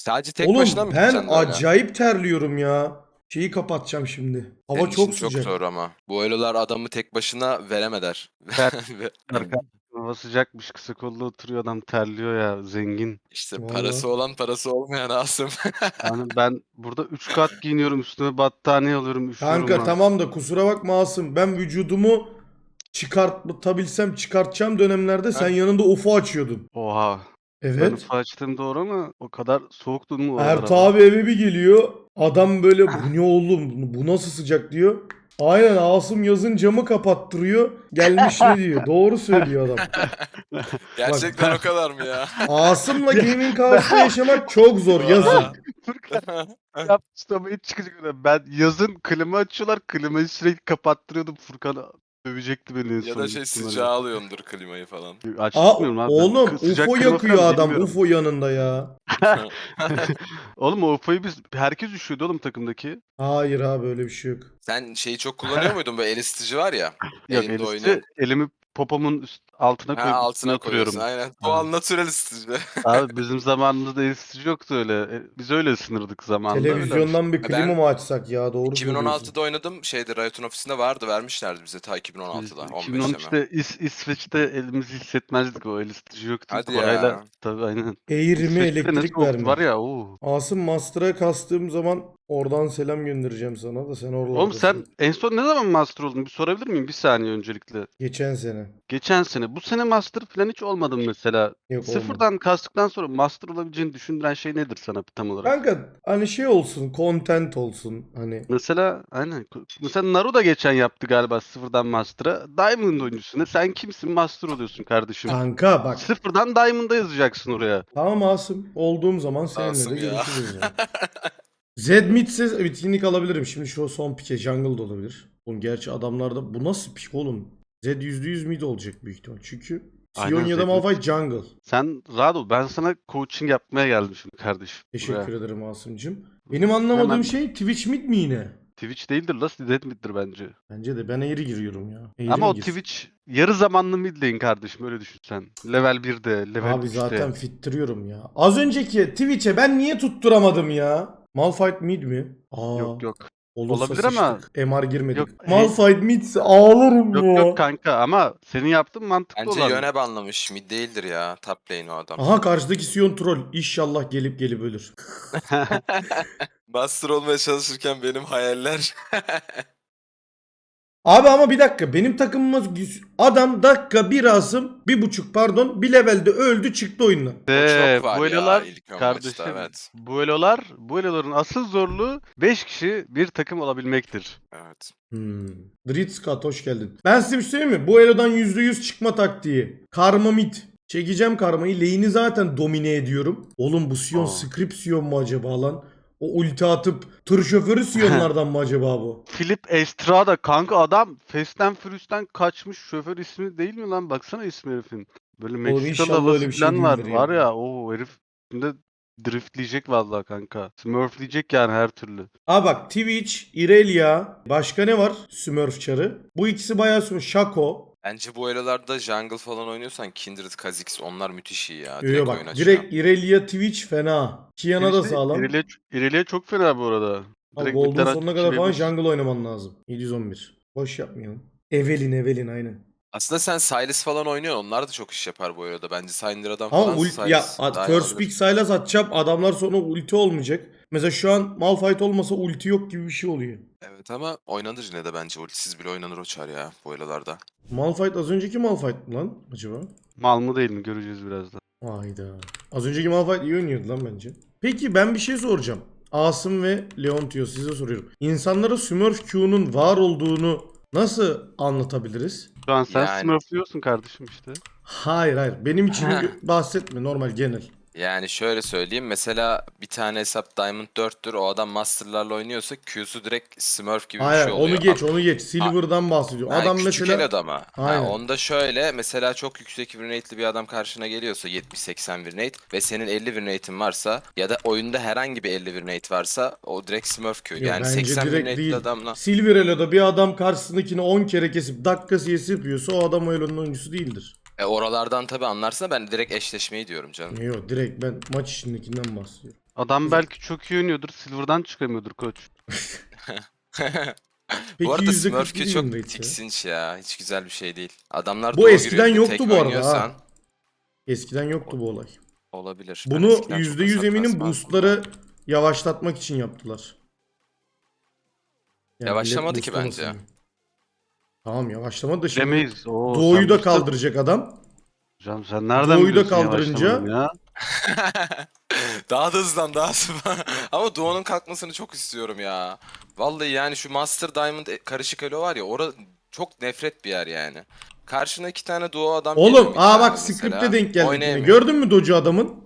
Sadece tek başına Oğlum mı ben gideceksin öyle? acayip terliyorum ya. Şeyi kapatacağım şimdi. Hava Senin için çok çok sıcak. zor ama. Bu elolar adamı tek başına veremeder. Ve Arka hava sıcakmış, kısa kollu oturuyor adam, terliyor ya, zengin. işte Vallahi. parası olan parası olmayan Asım. Yani ben burada 3 kat giyiniyorum, üstüme battaniye alıyorum, üşüyorum Kanka lan. tamam da kusura bakma Asım. Ben vücudumu çıkartabilsem çıkartacağım dönemlerde sen Heh. yanında UFO açıyordun. Oha. Ben Evet. ufak açtım doğru ama o kadar soğuktun mu oralara Ertuğ falan? abi eve bir geliyor. Adam böyle bu ne oğlum bu nasıl sıcak diyor. Aynen Asım yazın camı kapattırıyor. Gelmiş ne diyor. Doğru söylüyor adam. Bak Gerçekten o kadar mı ya? Asım'la gaming house'da yaşamak çok zor yazın. Aa. Furkan yapmıştı ama hiç çıkacak öyle. Ben yazın klima açıyorlar, klimayı sürekli kapattırıyordum. Furkan dövecekti beni en Ya son da büyük ihtimalle. sıcağı alıyordur klimayı falan. Açtırmıyorum abi ben. Oğlum Sıcak UFO klima yakıyor falan adam bilmiyorum. UFO yanında ya. Oğlum o UFO'yu herkes üşüyordu oğlum takımdaki. Hayır abi öyle bir şey yok. Sen şeyi çok kullanıyor muydun? Böyle el ısıtıcı var ya. Yok, Elinde elisi oynuyorsun. elimi popomun altına Ha, koyup üstüne altına koyuyorsun oturuyorum. aynen. Ha. Doğal natürel ısıtıcı. Abi bizim zamanımızda el ısıtıcı yoktu öyle. Biz öyle ısınırdık zamanında, öyle alıştık. Televizyondan bir klima Ben mı açsak ya doğru söylüyorsun. 2016'da oynadım. Şeyde Riot'un ofisinde vardı. Vermişlerdi bize ta Biz 2016'da. 15'te mi? 2013'te İsveç'te elimizi hissetmezdik, o el ısıtıcı yoktu. Hadi Parayla ya. tabii, aynen. Eğrimi İsveç'te ne elektrik soğuktu var verme. ya. Oo. Asım Master'a kastığım zaman oradan selam göndereceğim sana da sen Oğlum sen oralardasın. en son ne zaman master oldun? Bir sorabilir miyim? Bir saniye öncelikle. Geçen sene. Geçen sene. Bu sene master falan hiç olmadın mesela. Yok olmadı. Sıfırdan kastıktan sonra master olabileceğini düşündüren şey nedir sana tam olarak? Kanka hani şey olsun, content olsun hani. Mesela aynen. Mesela Naru da geçen yaptı galiba sıfırdan master'a. Diamond oyuncusuna. Sen kimsin? Master oluyorsun kardeşim. Kanka bak. Sıfırdan Diamond'a yazacaksın oraya. Tamam Asım. Olduğum zaman seninle de Asım ya. görüşürüz yani. Zedmid'se bitkinlik alabilirim. Şimdi şu son pike jungle da olabilir. Oğlum gerçi adamlarda bu nasıl pik oğlum? Zed %100 mid olacak büyük ihtimal. Çünkü Sion Aynen ya da Zedmit. Malphite jungle. Sen rahat ol. Ben sana coaching yapmaya geldim şimdi kardeşim. Teşekkür Buraya. ederim Asım'cım. Benim anlamadığım Hemen şey Twitch mid mi yine? Twitch değildir la, Zedmit'tir bence. Bence de ben eğri giriyorum ya. Eğri Ama mi o girsin? Twitch yarı zamanlı mid lane kardeşim, öyle düşün sen. Level 1'de, level Abi 3'te. zaten fittiriyorum ya. Az önceki Twitch'e ben niye tutturamadım ya? Malphite mid mi? Aa, Yok yok. olursa Olabilir ama sıçtık. MR girmedik. yok Malphite midse ağlarım yok ya. kanka, ama senin yaptığın mantıklı Bence olan. yöne banlamış. Mid değildir ya. Top lane o adam. Aha karşıdaki Sion troll. İnşallah gelip gelip ölür. Master olmaya çalışırken benim hayaller. Abi ama bir dakika benim takımımız adam dakika bir Asım 1.5 pardon bir levelde öldü çıktı oyundan. O çok var Bu ya elolar ilk ön maçta, kardeşim, evet. bu eloların asıl zorluğu 5 kişi bir takım olabilmektir. Evet. Dritzkat hoş geldin. Ben size bir şey söyleyeyim mi? Bu Elo'dan %100 çıkma taktiği. Karma mid. Çekeceğim karmayı. Lane'i zaten domine ediyorum. Oğlum bu Sion Aa. script Sion mu acaba lan? O ulti atıp tır şoförü Sion'lardan mı acaba bu? Philip Estrada kanka, adam Fast and Furious'tan kaçmış şoför ismi değil mi lan? Baksana ismi herifin. Böyle Oğlum Meksikalı inşallah havası öyle bir şey falan var. değildir Var ya. ya, o herif şimdi driftleyecek vallahi kanka. Smurfleyecek yani her türlü. Aa bak Twitch, Irelia. Başka ne var? Smurf çarı. Bu ikisi bayağı Shaco. Bence bu elolarda jungle falan oynuyorsan Kindred, Kha'Zix onlar müthiş iyi ya. Yo, Direkt bak oyun açıyor. direkt Irelia Twitch fena. Kiana da Twitch'te sağlam. İrelia çok fena bu arada. Abi Direkt Gold'un midden sonuna açıp kadar falan çilebilir. jungle oynaman lazım. 711. Boş yapmayalım. Evelyn aynen. Aslında sen Sylas falan oynuyorsun. Onlar da çok iş yapar bu arada. Bence Syndra'dan Ama falan ya Sylas daha iyi first pick olabilir. Sylas atacağım adamlar sonra ulti olmayacak. Mesela şu an Malphite olmasa ulti yok gibi bir şey oluyor. Evet ama oynanır yine de bence. Ultisiz bile oynanır o çar ya bu elolarda. Malphite az önceki Malphite mı lan acaba? Mal mı değil mi göreceğiz birazdan. Hayda. Az önceki Malphite iyi oynuyordu lan bence. Peki ben bir şey soracağım. Asım ve Leontio size soruyorum. İnsanlara Smurf Q'nun var olduğunu nasıl anlatabiliriz? Şu an sen Yani smurfluyorsun kardeşim işte. Hayır. Benim için bahsetme normal genel. Yani şöyle söyleyeyim. Mesela bir tane hesap Diamond 4'tür. O adam Master'larla oynuyorsa Q'su direkt Smurf gibi bir Hayır şey oluyor. onu geç. Silver'dan bahsediyorum. Ha, Adam küçük mesela el adama. Ha, aynen. onda şöyle mesela çok yüksek win rate'li bir adam karşına geliyorsa 70-80 win rate ve senin 50 win rate'in varsa ya da oyunda herhangi bir 50 win rate varsa o direkt Smurf Q. Yo, Yani bence 80 win direkt rate'li değil. adamla. Silver Elo'da bir adam karşısındakini 10 kere kesip dakikası yapıyorsa o adam o Elo'nun oyuncusu değildir. Oralardan tabii anlarsın da ben direkt eşleşmeyi diyorum canım. Yok direkt ben maç içindekinden bahsediyorum. Adam belki çok iyi oynuyordur. Silver'dan çıkamıyordur koç. Peki Bu arada %40 Smurf Q win çok rate ya. tiksinç ya. Hiç güzel bir şey değil. Adamlar Bu duo eskiden giriyor, bir de yoktu tek bu arada oynuyorsan ha. Eskiden yoktu bu olay. olabilir. Ben Bunu eskiden çok %100 hasar eminim kasmazdım boostları da. yavaşlatmak için yaptılar. Yani millet Yavaşlamadı ki boostlamasın bence. diye. Tamam yavaşlamadı da şimdi Bilemeyiz. Oo, Doğu'yu sen da boost'ta... kaldıracak adam. Hocam sen nereden Doğu'yu da biliyorsun kaldırınca yavaşlamadığını ya? Daha da hızlan daha hızlı. Ama Duo'nun kalkmasını çok istiyorum ya. Vallahi yani şu Master Diamond karışık elo var ya, orada çok nefret bir yer yani. Karşına 2 tane Duo adam geliyor oğlum mid bak lane'de script'e mesela. denk geldik yine. Oynayamıyor. Gördün mü Doge'u adamın?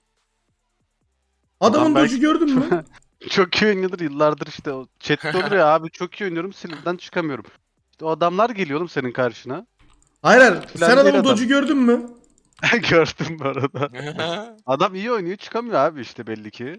Adamın Adam belki Doge'u gördün mü? çok iyi oynuyordur yıllardır işte. O chat'te olur ya abi çok iyi oynuyorum Silver'dan çıkamıyorum. İşte o adamlar geliyor oğlum senin karşına. Hayır hayır. Falan Sen değil adamın adam. Doge'u gördün mü? Gördüm bu arada. Adam iyi oynuyor çıkamıyor abi işte belli ki.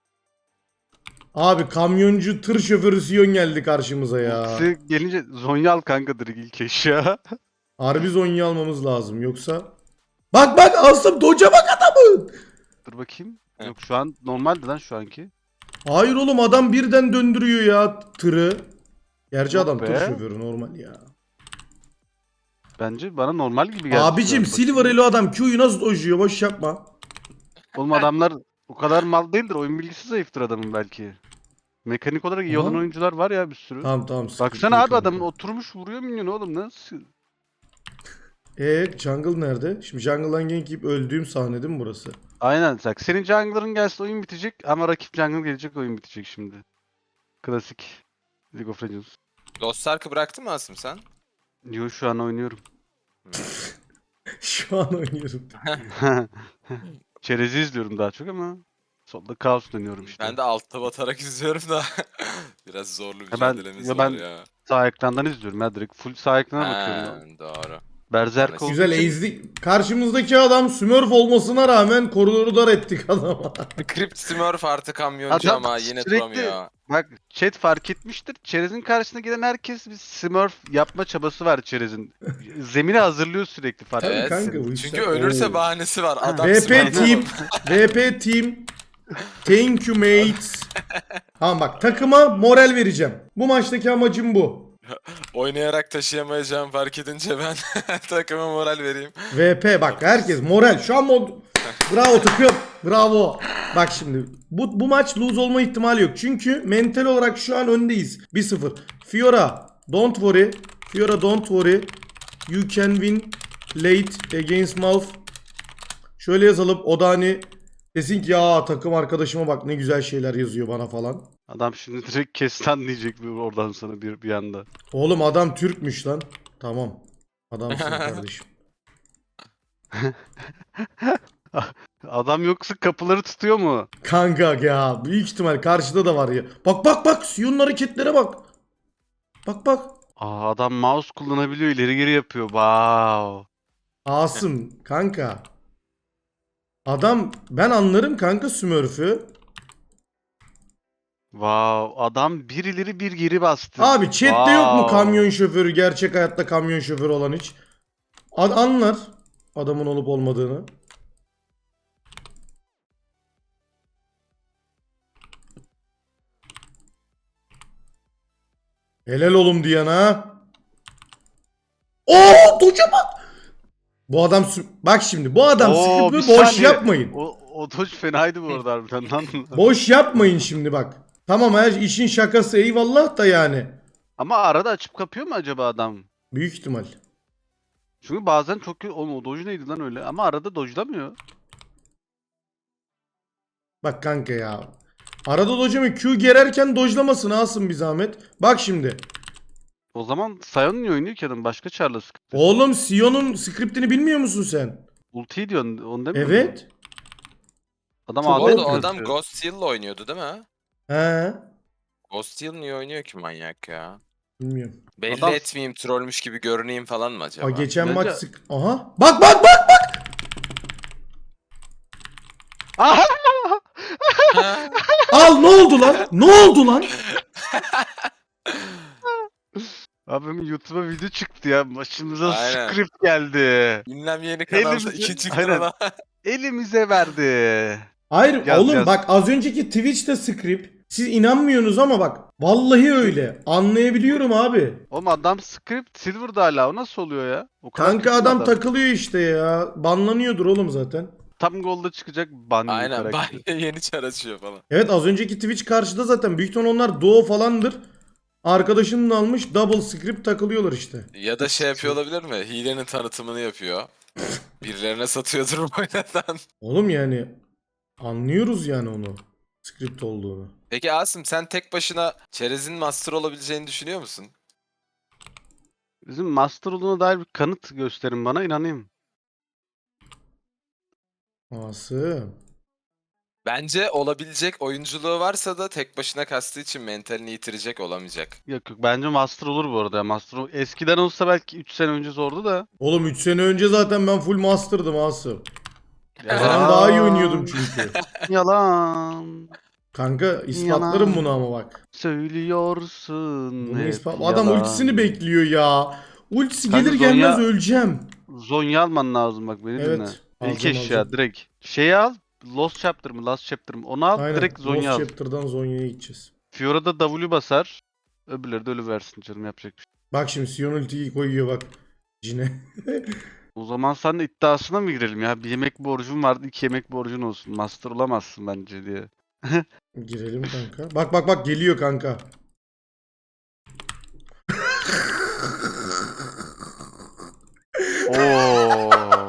Abi kamyoncu tır şoförü Sion geldi karşımıza ya. Ultisi gelince Zonyal kanka direkt ilk eşya. Harbi Zonya almamız lazım yoksa. Bak bak Asım Doge'a bak adamın. Dur bakayım. Heh. Yok şu an normaldi lan şu anki. Hayır oğlum adam birden döndürüyor ya tırı. Gerçi Yok adam tır be. şoförü normal ya. Bence bana normal gibi geldi şu Abicim an. Silver Bakayım. Elo adam Q'yu nasıl dojuyor boş yapma. Oğlum adamlar o kadar mal değildir. Oyun bilgisi zayıftır adamın belki. Mekanik olarak iyi olan Aha. oyuncular var ya bir sürü. Tamam tamam sıkıntı Baksana yok abi kanka. adamın oturmuş vuruyor minyonu oğlum nasıl? Jungle nerede? Şimdi Jungle'dan gank yiyip öldüğüm sahne değil mi burası? Aynen bak senin jungler'ın gelse oyun bitecek ama rakip jungle gelecek oyun bitecek şimdi. Klasik League of Legends. Lost Ark'ı bıraktın mı Asım sen? Yo şu an oynuyorum. Şu an oynuyorum. Çerezi izliyorum daha çok ama solda kaos dönüyorum işte. Ben de altta batarak izliyorum da biraz zorlu ben- mücadelemiz ya var ben- ya. Sağ ekrandan izliyorum ya direkt full sağ ekrana bakıyorum. Ha, doğru. Berserk olduğu Güzel için ezdik. Karşımızdaki adam Smurf olmasına rağmen koridoru dar ettik adama. Crypt Smurf artı kamyoncu Adam ama yine sürekli- duramıyor. bak chat fark etmiştir. Çerez'in karşısına gelen herkes bir smurf yapma çabası var Çerez'in. Zemini hazırlıyor sürekli fark Tabii Evet. kanka bu işler. Çünkü ölürse Oo. bahanesi var. Adam VP Smurf team. oğlum. VP team. Thank you mates. Tamam bak takıma moral vereceğim. Bu maçtaki amacım bu. Oynayarak taşıyamayacağım fark edince ben takıma moral vereyim. VP bak herkes moral. Şu an bravo takım. Bravo. Bak şimdi bu maç lose olma ihtimali yok. Çünkü mental olarak şu an öndeyiz. 1-0. Fiora don't worry. Fiora don't worry. You can win late against Malf. Şöyle yazalım. O da hani desin ki ya takım arkadaşıma bak ne güzel şeyler yazıyor bana falan. Adam şimdi direkt kestan diyecek oradan sana bir anda. Oğlum adam Türkmüş lan. Tamam. Adamsın kardeşim. Adam yoksa kapıları tutuyor mu? Kanka ya büyük ihtimal karşıda da var ya. Bak bak bak Sion'un hareketlere bak. Bak bak. Aa, adam mouse kullanabiliyor ileri geri yapıyor. Wow. Asım kanka. Adam ben anlarım kanka Smurf'ü. Wow. Adam bir ileri bir geri bastı. Abi chatte yok mu Wow. kamyon şoförü gerçek hayatta kamyon şoförü olan hiç? Anlar adamın olup olmadığını. Helal oğlum diyen ha. Oo Doge'a bak. Bu adam bak şimdi bu adam Oo, sıkıntı bir boş saniye. yapmayın. O dodge fenaydı bu arada harbiden lan. Boş yapmayın şimdi bak. Tamam her işin şakası eyvallah da yani. Ama arada açıp kapıyor mu acaba adam? Büyük ihtimal. Çünkü bazen çok kötü. Oğlum o dodge neydi lan öyle? Ama arada dodge'lamıyor. Bak kanka ya. Arada dojemi Q gererken dojlamasın alsın bir zahmet. Bak şimdi. O zaman Sion niye oynuyor ki adam? Başka Char'la sıkıntı. Oğlum Sion'un scriptini bilmiyor musun sen? Ultiyi diyorsun. Onu demiyor musun? Evet. Adam Çok Bu AD arada o kötü. adam Ghost Steel'la oynuyordu değil mi? He. Ghost Steel niye oynuyor ki manyak ya? Bilmiyorum. Belli Adam- etmeyeyim, trollmüş gibi görüneyim falan mı acaba? Aa, geçen Bence- maç Aha. Bak bak bak bak. Aha! Al ne oldu lan? Ne oldu lan? Abim YouTube'a video çıktı ya. Başımıza Aynen. script geldi. Ünlem yeni kanalda Elimizi- ikinci Aynen. kanala. Elimize verdi. Hayır Yaz, oğlum yaz. bak az önceki Twitch'te script. Siz inanmıyorsunuz ama bak. Vallahi öyle. Anlayabiliyorum abi. Oğlum adam script Silver'da hala. O nasıl oluyor ya? O kadar Kanka kötü mü adam takılıyor işte ya. Banlanıyordur oğlum zaten. Tam golda çıkacak ban yiyor Aynen. karakteri. Bay yeni çar açıyor falan. Evet az önceki Twitch karşıda zaten. Büyük ihtimal onlar duo falandır. Arkadaşının da almış double script takılıyorlar işte. Ya da şey yapıyor olabilir mi? Hilenin tanıtımını yapıyor. Birilerine satıyordur oynadan. Oğlum yani anlıyoruz yani onu. Script olduğunu. Peki Asım sen tek başına çerezin master olabileceğini düşünüyor musun? Bizim master olduğuna dair bir kanıt gösterin bana, inanayım. Asım. Bence olabilecek oyunculuğu varsa da tek başına kastığı için mentalini yitirecek olamayacak. Yok yok, bence master olur bu arada. Eskiden olsa belki 3 sene önce zordu da. Oğlum 3 sene önce zaten ben full master'dım Asım. Ben Yalan. daha iyi oynuyordum çünkü. Yalan. Kanka ispatlarım Yalan. bunu ama bak. Söylüyorsun Bunu hep Adam yalan. ultisini bekliyor ya. Ultisi Kanka gelir gelmez Zonya- öleceğim. Zonya alman lazım, bak beni dinle. Evet. İlk alacağım, eşya alacağım. direkt. Şeyi al. Lost Chapter mı? Last Chapter mı? Onu al. Aynen. Direkt Zonya Lost al. Chapter'dan Zonya'ya gideceğiz. Fiora'da W basar. Öbürleri de ölü versin canım, yapacak bir şey. Bak şimdi Sion ultiyi koyuyor bak. Cine. O zaman sen de iddiasına mı girelim ya? Bir yemek borcun vardı, 2 yemek borcun olsun. Master olamazsın bence diye. Girelim kanka. Bak bak bak geliyor kanka. Oo.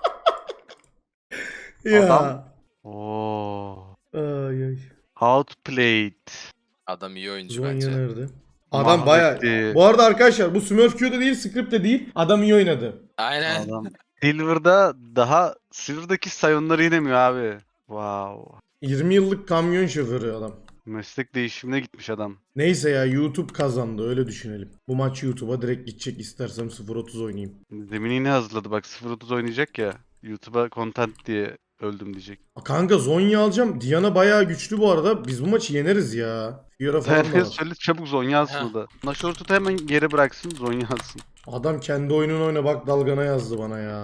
Ya. Adam- Oo. Ay ay. Outplayed. Adam iyi oyuncu Zonya bence. nerede? Adam baya... Mahvetti. Bu arada arkadaşlar bu Smurf Q'da değil, script'te değil. Adam iyi oynadı. Aynen. Adam. Silver'daki sayonları inemiyor abi. Wow. 20 yıllık kamyon şoförü adam. Meslek değişimine gitmiş adam. Neyse ya YouTube kazandı öyle düşünelim. Bu maç YouTube'a direkt gidecek, istersem 0.30 oynayayım. Demin yine hazırladı, bak 0.30 oynayacak ya. YouTube'a content diye öldüm diyecek. Kanka Zonya alacağım. Diana bayağı güçlü bu arada. Biz bu maçı yeneriz ya. Fiora falan da Herkes var. söyle, çabuk Zonya alsın Ha. o da. Nashort'u hemen geri bıraksın, Zonya alsın. Adam kendi oyununu oyna bak dalgana yazdı bana ya.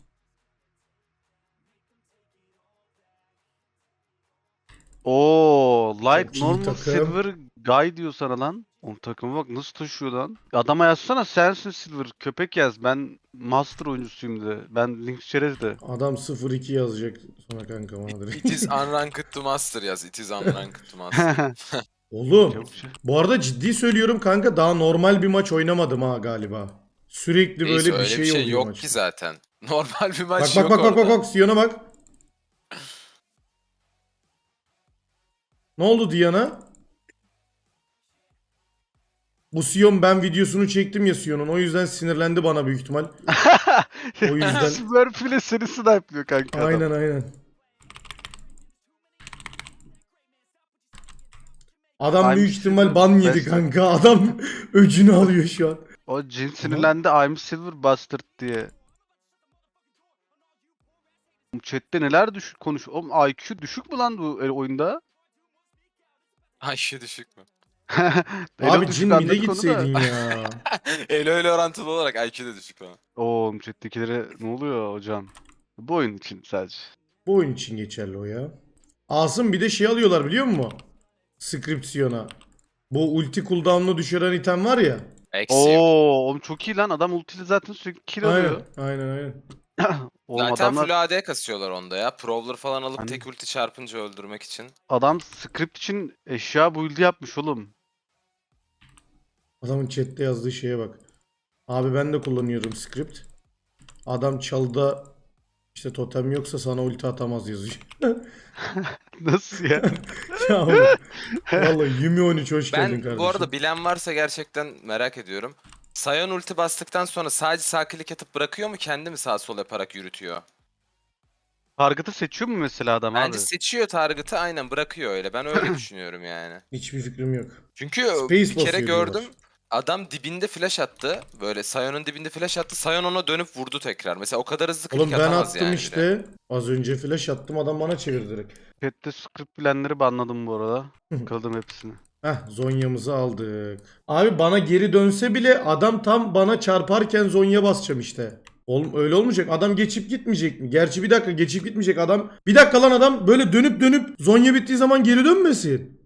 Oo, Light, Çok iyi Normal, takım. Silver, Guy diyor sana lan. O takıma bak nasıl taşıyor lan. Adama yazsana sensin Silver, köpek yaz. Ben Master oyuncusuyum de. Ben Link Çerez de. Adam 0-2 yazacak sonra kanka bana direkt. It is unranked to master yaz. It is unranked to master. Oğlum Çabuk şey. bu arada ciddi söylüyorum kanka daha normal bir maç oynamadım ha galiba. Sürekli Neyse, böyle bir öyle şey, bir şey oluyor yok maçta. ki zaten. Normal bir Bak maç bak yok bak bak orada. bak bak Sion'a bak. Ne oldu Diana? Bu Sion ben videosunu çektim ya Sion'un. O yüzden sinirlendi bana büyük ihtimal. O yüzden- Smurf bile seni snipe'lıyor kanka adam. Aynen aynen. Adam I'm büyük ihtimal Silver ban yedi Bastard. kanka. Adam öcünü alıyor şu an. O Jin sinirlendi, I'm Silver Bastard diye. Chat'te neler konuş. Oğlum IQ düşük mü lan bu oyunda? Ay şu düşük mü? Elo Abi düşük Jin mid'e anladık onu da. gitseydin ya. Öyle orantılı olarak IQ de düşük falan. Oğlum chat'tekilere ne oluyor hocam? Bu oyun için sadece. Bu oyun için geçerli o ya. Asım bir de şey alıyorlar biliyor musun? Scription'a. Bu ulti cooldown'unu düşüren item var ya. Eksi. Oo, oğlum çok iyi lan. Adam ultiyle zaten sürekli kill Aynen alıyor. aynen aynen. Oğlum Zaten adamlar, full AD kasıyorlar onda ya. Prowler falan alıp Aynen. tek ulti çarpınca öldürmek için. adam script için eşya build'i yapmış oğlum. Adamın chatte yazdığı şeye bak. Abi ben de kullanıyorum script. Adam çalda işte totem yoksa sana ulti atamaz yazıyor. Nasıl ya? Ya oğlum, vallahi Yumi 13 hoş geldin Ben kardeşim. bu arada bilen varsa gerçekten merak ediyorum. Sion ulti bastıktan sonra sadece sağ klik atıp bırakıyor mu, kendi mi sağ sol yaparak yürütüyor? Target'ı seçiyor mu mesela adam Bence abi? seçiyor target'ı, aynen bırakıyor öyle. Ben öyle düşünüyorum yani. Hiçbir fikrim yok. Çünkü Space bir kere basıyor gördüm. diyorlar. Adam dibinde flash attı. Böyle Sion'un dibinde flash attı. Sion ona dönüp vurdu tekrar. Mesela o kadar hızlı Oğlum klik ben atamaz attım yani bile. işte. Az önce flash attım adam bana çevirdi direkt. Chat'te script bilenleri banladım bu arada. Kıldım hepsini. Heh Zonya'mızı aldık. Abi bana geri dönse bile adam tam bana çarparken Zonya basacağım işte. Oğlum öyle olmayacak. Adam geçip gitmeyecek mi? Gerçi bir dakika, geçip gitmeyecek adam. Bir dakika lan, adam böyle dönüp dönüp Zonya bittiği zaman geri dönmesin.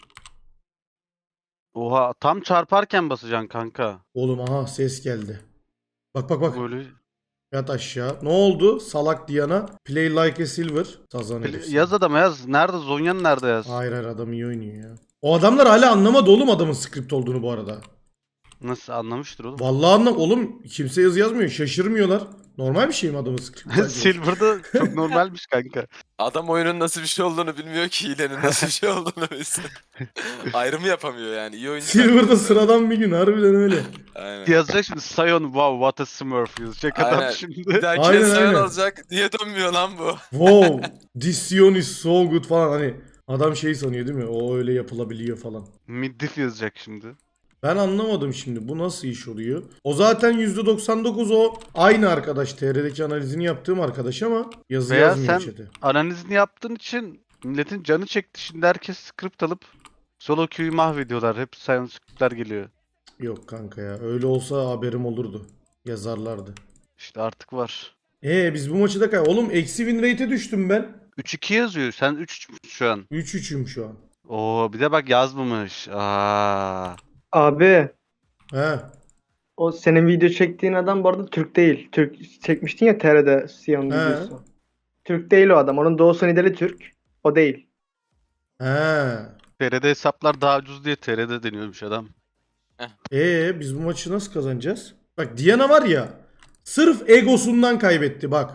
Oha tam çarparken basacaksın kanka. Oğlum aha ses geldi. Bak bak bak. Böyle Yat aşağı. Ne oldu? Salak Diana. Play like a silver. Sazan herif. yaz adama yaz. Nerede Zonya'nın nerede yaz? Hayır hayır, adam iyi oynuyor ya. O adamlar hala anlamadı oğlum adamın script olduğunu bu arada. Nasıl anlamıştır oğlum? Vallahi oğlum kimse yazı yazmıyor. Şaşırmıyorlar. Normal bir şey mi adamın script? Silver'da çok normalmiş kanka. Adam oyunun nasıl bir şey olduğunu bilmiyor ki hilenin nasıl bir şey olduğunu bilsin. Ayrımı yapamıyor yani. İyi oyuncu. Silver'da sıradan bir gün, harbiden öyle. Aynen. Yazacak şimdi Sion wow what a smurf yazacak adam Aynen. şimdi. Bir dahaki Aynen, sayın aynen. alacak. Niye dönmüyor lan bu? Wow, this Sion is so good falan, hani adam şey sanıyor değil mi? O öyle yapılabiliyor falan. Mid-diff yazacak şimdi. Ben anlamadım şimdi, bu nasıl iş oluyor? O zaten %99 o aynı arkadaş, TR'deki analizini yaptığım arkadaş ama yazı Veya yazmıyor sen chat'e. analizini yaptığın için milletin canı çekti. Şimdi herkes script alıp solo queue'yu mahvediyorlar. Hep Sion scriptler geliyor. Yok kanka ya, öyle olsa haberim olurdu. Yazarlardı. İşte artık var. Biz bu maçı da oğlum eksi win rate'e düştüm ben. 3-2 yazıyor. Sen 3 şu an. 3-3'üm şu an. Oo bir de bak yazmamış. Aa. Abi He. o senin video çektiğin adam bu arada Türk değil. Türk çekmiştin ya TR'de Sion He. videosu. Türk değil o adam. Onun doğusu Nidali Türk. O değil. He. TR'de hesaplar daha ucuz diye TR'de deniyormuş adam. Biz bu maçı nasıl kazanacağız? Bak Diana var ya, sırf egosundan kaybetti bak.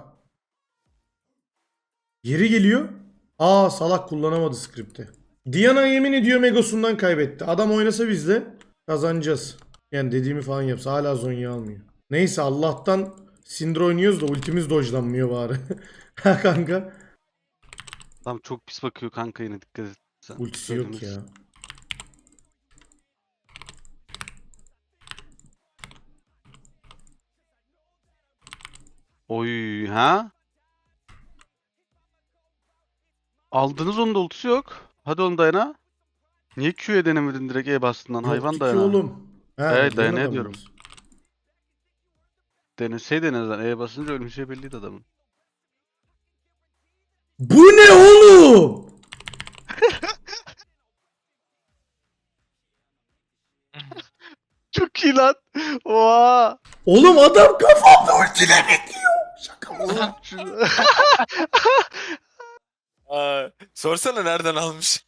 Geri geliyor. Salak kullanamadı skripti. Diana yemin ediyorum egosundan kaybetti. Adam oynasa biz de kazanacağız. Yani dediğimi falan yapsa hala Zonya almıyor. Neyse Allah'tan Syndra oynuyoruz da ultimiz dojlanmıyor bari. Ha kanka. Adam çok pis bakıyor kanka yine dikkat et. Sen Ultisi yok ya. söylemişsin. Oy ha? Aldınız onun da ultisi yok. Hadi onu dayana. Niye Q'ye denemedin direkt E bastın lan hayvan Yoktu ki dayana. oğlum. Evet, Diana Diana da diyorum. mı? Deneseydin en azından E basınca ölmüşe belliydi adamın. Bu ne oğlum? Çok iyi lan. Oha. Oğlum adam kafamda ultiyle bekliyor. Şaka mı? Sorsana nereden almış?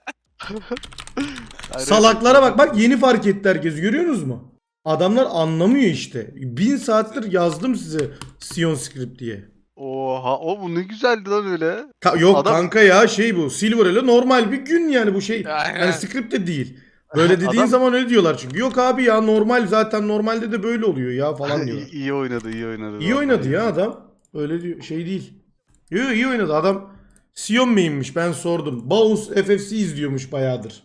Salaklara bak bak, yeni fark etti herkes, görüyorsunuz mu? Adamlar anlamıyor işte. 1000 saattir yazdım size Sion script diye. Oha o bu ne güzeldi lan öyle. Yok Adam- kanka ya, şey bu Silver ile normal bir gün yani, bu şey Aynen. yani script de değil. Böyle dediğin Adam- zaman öyle diyorlar çünkü. Yok abi ya, normal zaten, normalde de böyle oluyor ya falan diyorlar. iyi oynadı iyi oynadı. İyi vallahi oynadı iyi. ya adam. Öyle diyor, şey değil. Yo, iyi oynadı adam. Sion main'miş, ben sordum. Baus FFC izliyormuş bayağıdır.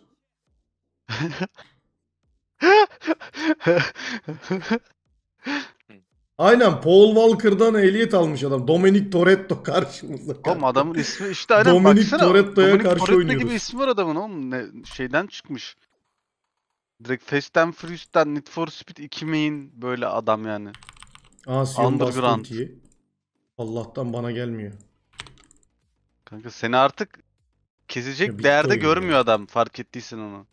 Aynen, Paul Walker'dan ehliyet almış adam. Dominic Toretto karşımızda. Oğlum adamın ismi işte aynen Dominic baksana. Toretto'ya Dominic karşı Toretto oynuyoruz. gibi ismi var adamın oğlum. Şeyden çıkmış. Direkt Fast and Furious'tan Need for Speed 2 main böyle adam yani. Sion bastı Underground. ultiyi. Allah'tan bana gelmiyor. Kanka seni artık kesecek Ya bitti değerde oyun görmüyor ya. adam fark ettiysen onu.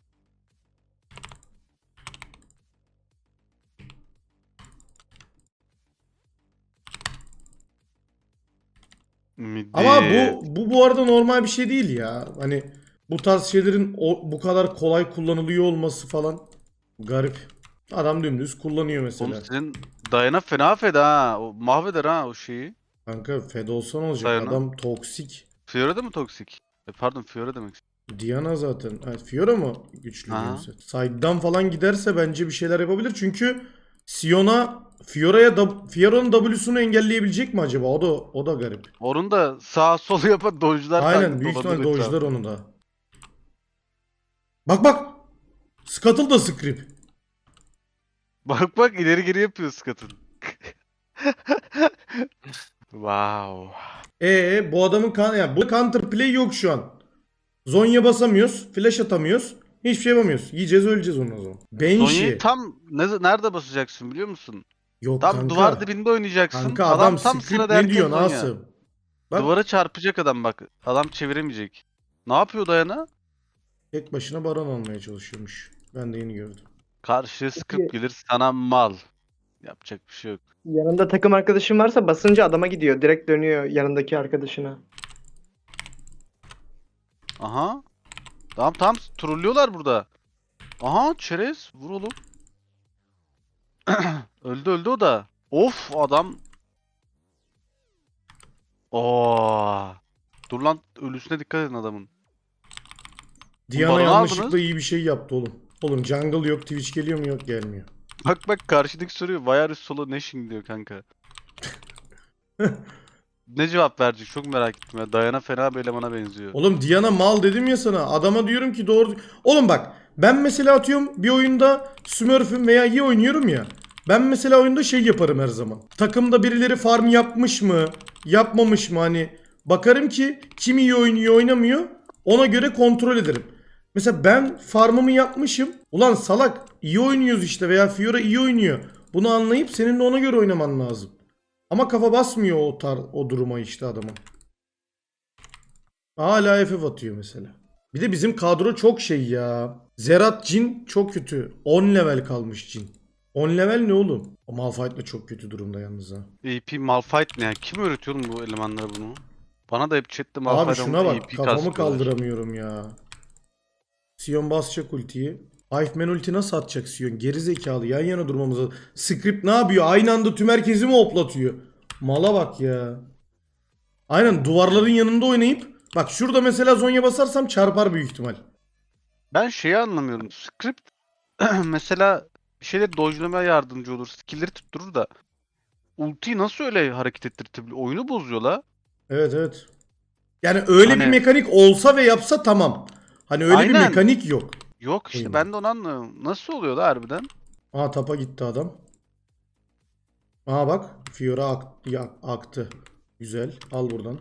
Midi. Ama bu arada normal bir şey değil ya. Hani bu tarz şeylerin bu kadar kolay kullanılıyor olması falan garip. Adam dümdüz kullanıyor mesela. Oğlum senin Dayana fena feda ha. O mahveder ha o şeyi. Kanka fed olsa ne olacak? Diana. Adam toksik. Fiora da mı toksik? Pardon Fiora demek istedim. Diana zaten. Evet, Fiora mı güçlü Aha. diyorsun? Side'dan falan giderse bence bir şeyler yapabilir. Çünkü Sion'a Fiora'nın W'sunu engelleyebilecek mi acaba? O da garip. Onun da sağ sol yapan dojlar Aynen, büyük ihtimal dojlar onu da. Bak bak. Scuttle da script. Bak bak ileri geri yapıyor Scott'ın. Wow. Bu adamın yani bu counter play yok şu an. Zonya basamıyoruz, flash atamıyoruz. Hiçbir şey yapamıyoruz. Yiyeceğiz, öleceğiz onu o zaman. Banshee. Sonya'yı tam nerede basacaksın biliyor musun? Yok Tam kanka. duvar dibinde oynayacaksın. Kanka adam tam script sıra ne derken diyor oynuyor. Asım? Bak Duvara çarpacak adam bak. Adam çeviremeyecek. Ne yapıyor Dayana? tek başına baron almaya çalışıyormuş. Ben de yeni gördüm. Karşıya sıkıp gelir sana mal. Yapacak bir şey yok. Yanında takım arkadaşın varsa basınca adama gidiyor. Direkt dönüyor yanındaki arkadaşına. Aha. Tamam trollüyorlar burada. Aha çerez vur oğlum. Öldü o da. Of adam. Oo. Dur lan ölüsüne dikkat edin adamın. Diana baronu yanlışlıkla aldınız. iyi bir şey yaptı oğlum. Oğlum jungle yok, Twitch geliyor mu? Yok, gelmiyor. Bak karşıdaki soruyor. Why are you solo nashing diyor kanka. Ne cevap verecek çok merak ettim ya. Dayana fena bir elemana benziyor. Oğlum Diana mal dedim ya sana. Adama diyorum ki doğru. Oğlum bak ben mesela atıyorum bir oyunda Smurf'üm veya iyi oynuyorum ya. Ben mesela oyunda şey yaparım her zaman. Takımda birileri farm yapmış mı? Yapmamış mı? Hani bakarım ki kim iyi oynuyor oynamıyor. Ona göre kontrol ederim. Mesela ben farmımı yapmışım. Ulan salak iyi oynuyoruz işte veya Fiora iyi oynuyor. Bunu anlayıp senin de ona göre oynaman lazım. Ama kafa basmıyor o duruma işte adamın. Hala FF atıyor mesela. Bir de bizim kadro çok şey ya. Zerat Jhin çok kötü. 10 level kalmış Jhin. 10 level ne oğlum? O Malphite de çok kötü durumda yalnız ha. AP Malphite ne ya? Kim öğretiyor oğlum bu elemanlara bunu? Bana da hep chatte Abi Malphite şuna bak AP kafamı kastıyorlar. kaldıramıyorum ya. Sion basacak ultiyi. Hiveman ulti nasıl atacak Sion? Geri zekalı yan yana durmamıza. Script ne yapıyor? Aynı anda tüm herkesi mi hoplatıyor? Mala bak ya. Aynen duvarların yanında oynayıp bak şurada mesela Zonya basarsam çarpar büyük ihtimal. Ben şeyi anlamıyorum. Script mesela bir şeyleri dodge'lamaya yardımcı olur. Skill'leri tutturur da ultiyi nasıl öyle hareket ettirtebiliyor? Oyunu bozuyor la. Evet evet. Yani öyle bir Hani- mekanik olsa ve yapsa tamam. Hani öyle bir Aynen. mekanik yok. Yok işte Oyunda. ben de onu anlamıyorum. Nasıl oluyor la harbiden? Aa tapa gitti adam. Aa bak Fiora aktı. Güzel. Al buradan.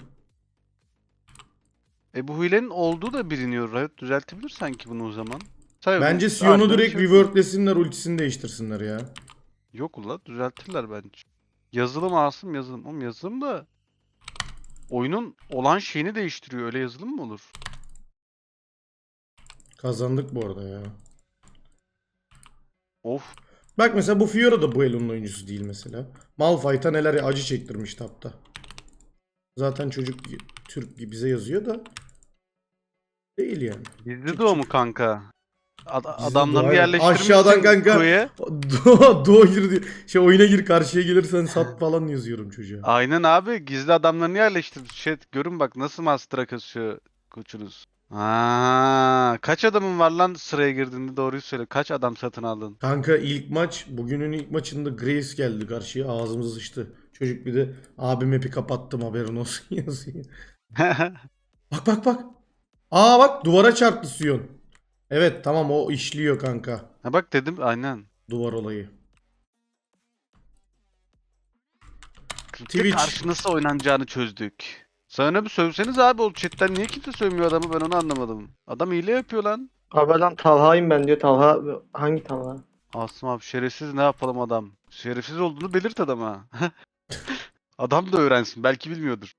Bu hilenin olduğu da biliniyor. Riot düzeltebilir sanki bunu o zaman. Say Bence bu- Sion'u harbiden direkt şey- reworklesinler, ultisini değiştirsinler ya. Yok ula düzeltirler bence. Yazılım Asım yazılım. Oğlum yazılım da oyunun olan şeyini değiştiriyor. Öyle yazılım mı olur? Kazandık bu arada ya. Of. Bak mesela bu Fiora da bu Elo'nun oyuncusu değil mesela. Malphite'a neler acı çektirmiş tapta. Zaten çocuk Türk gibi bize yazıyor da değil yani. Gizli doğumu kanka. Adamlarını doğu, yerleştirmişsin aşağıdan kanka. koya. Doğu gir diyor. Şey oyuna gir karşıya gelirsen sat falan yazıyorum çocuğa. Aynen abi gizli adamlarını yerleştirmiş. Görün bak nasıl master'a kasıyor koçunuz. Kaç adamın var lan sıraya girdiğinde doğruyu söyle. Kaç adam satın aldın? Kanka ilk maç bugünün ilk maçında Grace geldi karşıya ağzımız sıçtı. Çocuk bir de abi map'i kapattım haberin olsun yazıyor. Bak bak bak. Aa bak duvara çarptı Sion. Evet tamam o işliyor kanka. Ha bak dedim aynen. Duvar olayı. Kripte Twitch. karşı nasıl oynanacağını çözdük. Sana bir sövseniz abi o chatten niye kimse sövmüyor adamı ben onu anlamadım. Adam hile yapıyor lan. Abi adam Talha'yım ben diyor. Talha hangi Talha? Asım abi şerefsiz ne yapalım adam. Şerefsiz olduğunu belirt adama. Adam da öğrensin belki bilmiyordur.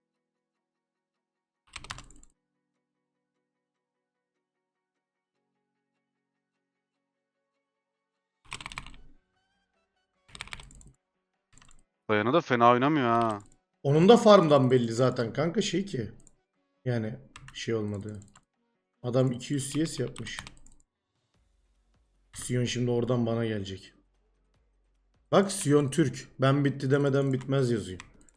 Dayana da fena oynamıyor ha. Onun da farmdan belli zaten kanka şey ki. Yani şey olmadı. Adam 200 CS yapmış. Sion şimdi oradan bana gelecek. Bak Sion Türk. Ben bitti demeden bitmez yazıyor.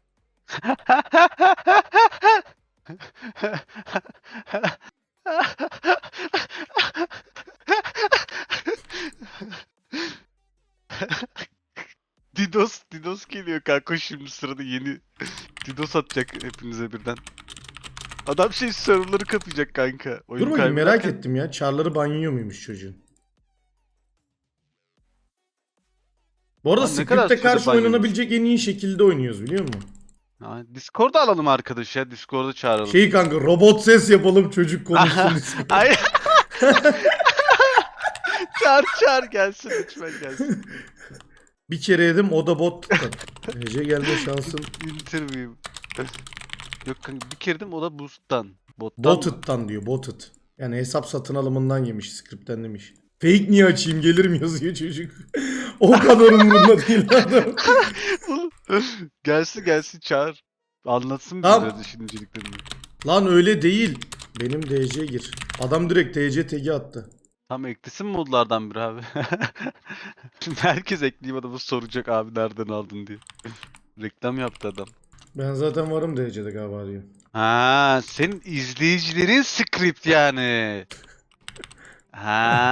Didos geliyor kanka şimdi sırada yeni Didos atacak hepinize birden. Adam şey serverları kapayacak kanka. Dur bakayım merak ettim ya. Char'ları banyo muymuş çocuğun? Bu arada Lan ne kadar Script'e sürede karşı banyomuş? oynanabilecek en iyi şekilde oynuyoruz biliyor musun? Discord'a alalım arkadaş ya. Discord'a çağıralım. Şey kanka robot ses yapalım çocuk konuşsun. Ay. Çağır gelsin lütfen gelsin. Bir kere yedim o da bottan. Ece gelme şansın Interview. Yok kanka bir kere dedim o da boost'tan. Bottan. Botted'dan diyor Botted. Yani hesap satın alımından yemiş script'ten demiş. Fake niye açayım gelirim yazıyor çocuk. O kadar umurunda değil adam. gelsin çağır. Anlatsın bize Tamam. biraz düşünceliklerini. Lan öyle değil. Benim DC gir. Adam direkt DC tag'i attı. Tam eklesin modlardan biri abi. Şimdi herkes ekleyip adamı soracak abi nereden aldın diye. Reklam yaptı adam. Ben zaten varım DC'de galiba diyor. Ha, senin izleyicilerin script yani. Ha.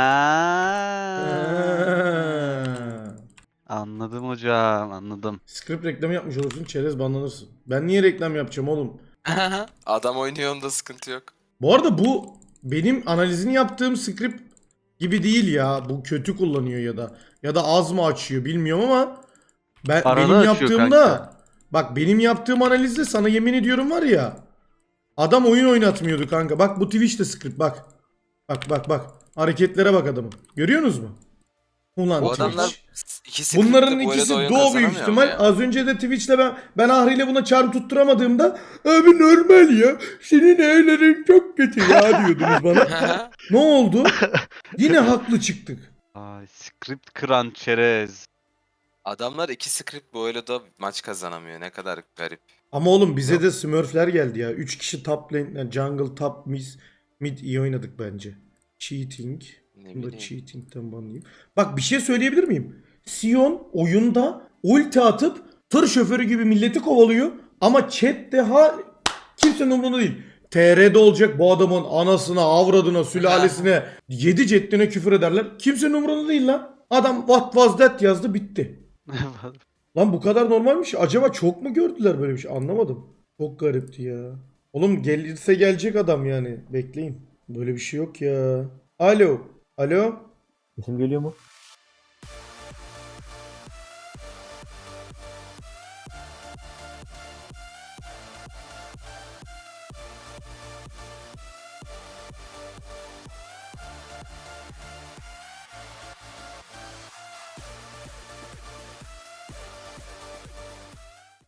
Anladım hocam, anladım. Script reklamı yapmış olursun çerez banlanırsın. Ben niye reklam yapacağım oğlum? Adam oynuyor onda sıkıntı yok. Bu arada bu benim analizini yaptığım script gibi değil ya. Bu kötü kullanıyor ya da az mı açıyor bilmiyorum ama Arada benim açıyor yaptığımda kanka. bak benim yaptığım analizde sana yemin ediyorum var ya adam oyun oynatmıyordu kanka. Bak bu Twitch'te script bak. Bak. Hareketlere bak adamın. Görüyorsunuz mu? Ulan Bu Twitch. adamlar ikisi Bunların kırıktı, bu arada ikisi oyun doğu büyük kazanamıyor ihtimal. mu ya? Az önce de Twitch'te ben Ahri'yle buna charm tutturamadığımda abi normal ya. Senin evlerin çok kötü ya diyordunuz bana. Ne oldu? Yine haklı çıktık. Ay, script kıran çerez. Adamlar iki script bu da maç kazanamıyor. Ne kadar garip. Ama oğlum bize de Smurfler geldi ya. 3 kişi top lane, yani jungle, top, mid iyi oynadık bence. Cheating. Ne Bunu da bileyim. cheating'ten banlayayım. Bak bir şey söyleyebilir miyim? Sion oyunda ulti atıp tır şoförü gibi milleti kovalıyor. Ama chat'te kimsenin umurunda değil. TR'de olacak bu adamın anasına, avradına, sülalesine, 7 ceddine küfür ederler. Kimsenin umurunda değil lan. Adam what was that yazdı bitti. Lan bu kadar normalmiş. Acaba çok mu gördüler böyle bir şey? Anlamadım. Çok garipti ya. Oğlum gelirse gelecek adam yani. Bekleyin. Böyle bir şey yok ya. Alo. Alo. Sesim geliyor mu?